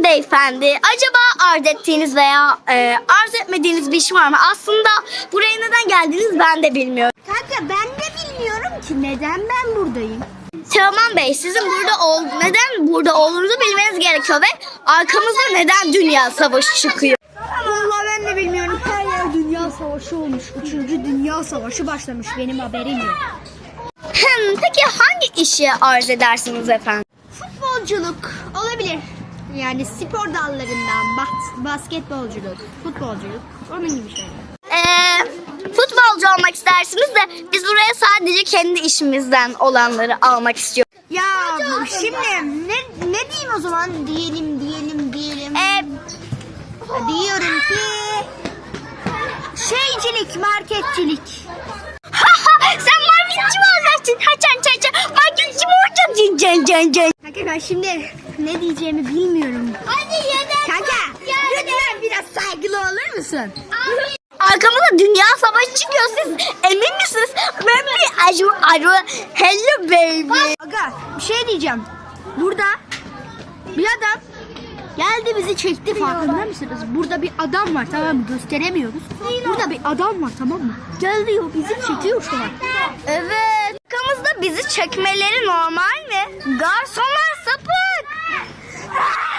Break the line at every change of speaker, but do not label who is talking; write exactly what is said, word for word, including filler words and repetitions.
beyefendi. Acaba arz ettiğiniz veya e, arz etmediğiniz bir iş var mı? Aslında buraya neden geldiniz ben de bilmiyorum.
Kanka ben de bilmiyorum ki neden ben buradayım.
Teoman Bey, sizin burada ol neden burada olduğunuzu bilmeniz gerekiyor ve arkamızda neden dünya savaşı çıkıyor?
Vallahi ben de bilmiyorum. Her yer dünya savaşı olmuş. Üçüncü dünya savaşı başlamış. Benim haberim yok.
Hmm, peki hangi işi arz edersiniz efendim?
Futbolculuk olabilir. Yani spor dallarından bas basketbolculuk, futbolculuk, onun gibi şeyler.
Ee, futbolcu olmak istersiniz de biz buraya sadece kendi işimizden olanları almak istiyoruz.
Ya şimdi ne ne diyeyim o zaman? Diyelim diyelim diyelim.
Ee,
Diyorum ki şeycilik, marketçilik.
sen marketçi mi olacaksın? Haçan çaça marketçi mi olacaksın? Can can can.
Kanka ben şimdi ne diyeceğimi bilmiyorum. Hadi yeter. Kanka lütfen biraz saygılı olur musun?
Arkamızda dünya savaşı çıkıyor, siz emin misiniz? Ben bir aru aru hello baby.
Aga bir şey diyeceğim. Burada bir adam geldi bizi çekti, farkında mısınız? Burada bir adam var, tamam mı? Gösteremiyoruz. Burada bir adam var, tamam mı? Gel diyor, bizi çekiyor şu an.
Evet. Arkamızda bizi çekmeleri normal mi? Garsonlar sapık.